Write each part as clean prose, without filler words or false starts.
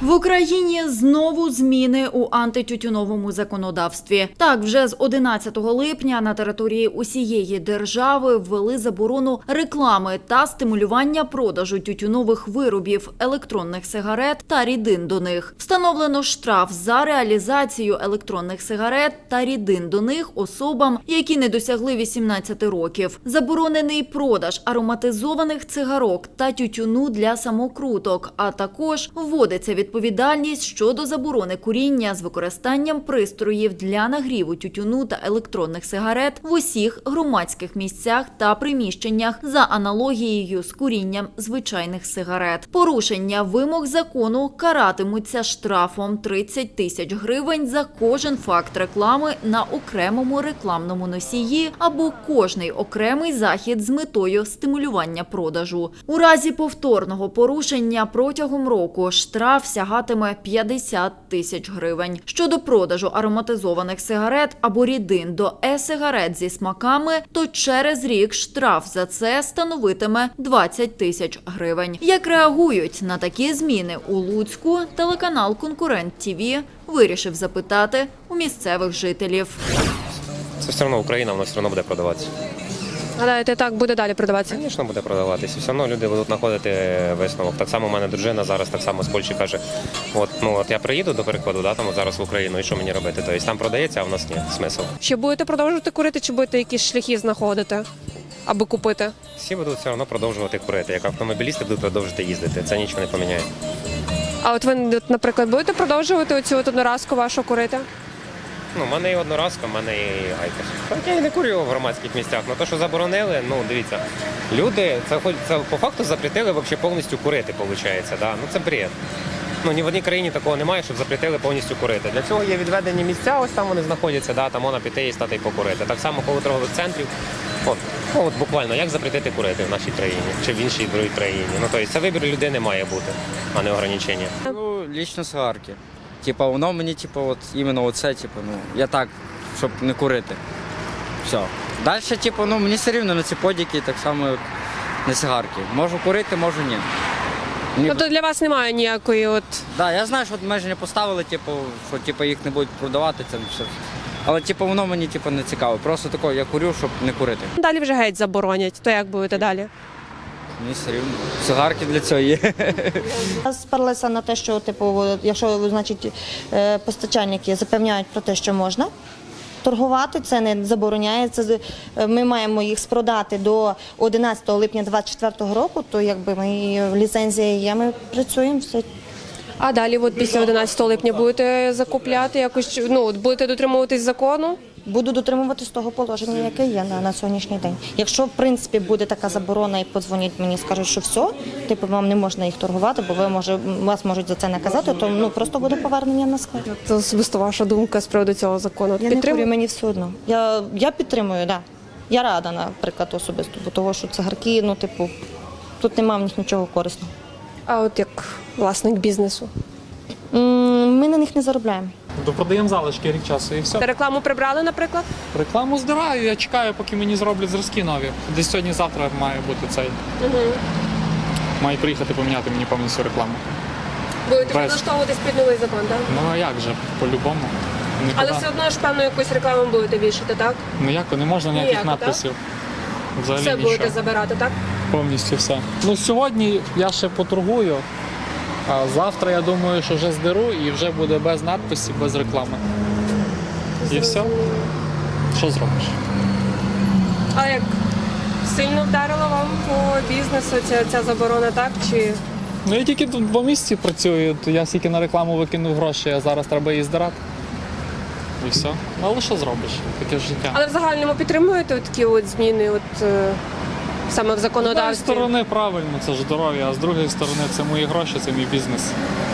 В Україні знову зміни у антитютюновому законодавстві. Так, вже з 11 липня на території усієї держави ввели заборону реклами та стимулювання продажу тютюнових виробів, електронних сигарет та рідин до них. Встановлено штраф за реалізацію електронних сигарет та рідин до них особам, які не досягли 18 років. Заборонений продаж ароматизованих цигарок та тютюну для самокруток, а також вводиться відповідальність щодо заборони куріння з використанням пристроїв для нагріву тютюну та електронних сигарет в усіх громадських місцях та приміщеннях за аналогією з курінням звичайних сигарет. Порушення вимог закону каратимуться штрафом 30 тисяч гривень за кожен факт реклами на окремому рекламному носії або кожний окремий захід з метою стимулювання продажу. У разі повторного порушення протягом року штраф сягатиме 50 тисяч гривень. Щодо продажу ароматизованих сигарет або рідин до е-сигарет зі смаками, то через рік штраф за це становитиме 20 тисяч гривень. Як реагують на такі зміни у Луцьку, телеканал «Конкурент ТІВІ» вирішив запитати у місцевих жителів. Це все одно Україна, воно все одно буде продаватися. Гадаєте, так буде далі продаватися? Звісно, буде продаватися. Все одно люди будуть знаходити висновок. Так само у мене дружина зараз так само з Польщі каже, от я приїду, до прикладу, там зараз в Україну, і що мені робити? Тобто там продається, а в нас ні. Смисл. Чи будете продовжувати курити, чи будете якісь шляхи знаходити, аби купити? Всі будуть все одно продовжувати курити. Як автомобілісти будуть продовжувати їздити. Це нічого не поміняє. А от ви, наприклад, будете продовжувати оцю одноразку вашу курити? У мене і одноразка, в мене і айкос. Так я і не курю в громадських місцях. То, що заборонили, дивіться, люди, це по факту запретили взагалі повністю курити, виходить. Да? Це бред. Ні в одній країні такого немає, щоб запретили повністю курити. Для цього є відведені місця, ось там вони знаходяться, да? Там можна піти і стати і покурити. Так само коло торгових центрів. От буквально, як запретити курити в нашій країні чи в іншій другій країні. Тобто це вибір людини має бути, а не ограничення. Лічно цигарки. Воно мені, іменно оце, я так, щоб не курити. Все. Далі, мені все рівно на ці подіки, так само, як на цигарки. Можу курити, можу ні. Тобто для вас немає ніякої от... Так, я знаю, що межі не поставили, що їх не будуть продавати, це все. Але воно мені не цікаво. Просто таке, я курю, щоб не курити. Далі вже геть заборонять. То як будете далі? Мені все рівно. Цигарки для цього є. Сперлися на те, що якщо постачальники запевняють про те, що можна торгувати, це не забороняється. Ми маємо їх спродати до 11 липня 2024 року, то ліцензія є, ми працюємо все. А далі після 11 липня будете закупляти якось, будете дотримуватись закону? Буду дотримуватись того положення, яке є на сьогоднішній день. Якщо, в принципі, буде така заборона і подзвонять мені, скажуть, що все, вам не можна їх торгувати, бо вас можуть за це наказати, то просто буде повернення на склад. Це особисто ваша думка з приводу цього закону? Я не курю, мені все одно. Я підтримую, так. Я рада, наприклад, особисто, бо того, що цигарки, тут немає в них нічого корисного. А от як власник бізнесу? Ми на них не заробляємо. Продаємо залишки рік часу і все. Рекламу прибрали, наприклад? Рекламу здираю, я чекаю, поки мені зроблять зразки нові. Десь сьогодні-завтра має бути цей. Має приїхати поміняти мені повністю рекламу. Будете підлаштовуватись під новий закон, так? А як же, по-любому. Але все одно ж певно якусь рекламу будете вішати, так? Не можна ніяких надписів. Взагалі все нічого. будете забирати, так? Повністю все. Сьогодні я ще поторгую, а завтра я думаю, що вже здеру і вже буде без надписів, без реклами. І все. Що зробиш? А як сильно вдарила вам по бізнесу ця заборона, так? Чи... Я тільки тут 2 місяці працюю, то я стільки на рекламу викинув гроші, а зараз треба її здирати. І все. Але що зробиш? Таке життя. Але в загальному підтримуєте такі зміни саме в З законодавстві? однієї сторони правильно, це ж здоров'я, а з другої сторони це мої гроші, це мій бізнес.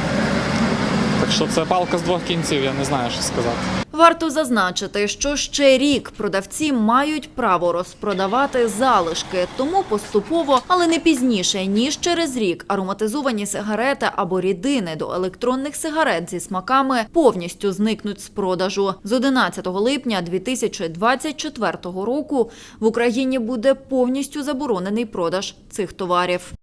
Так що це палка з 2 кінців, я не знаю, що сказати. Варто зазначити, що ще рік продавці мають право розпродавати залишки, тому поступово, але не пізніше, ніж через рік, ароматизовані сигарети або рідини до електронних сигарет зі смаками повністю зникнуть з продажу. З 11 липня 2024 року в Україні буде повністю заборонений продаж цих товарів.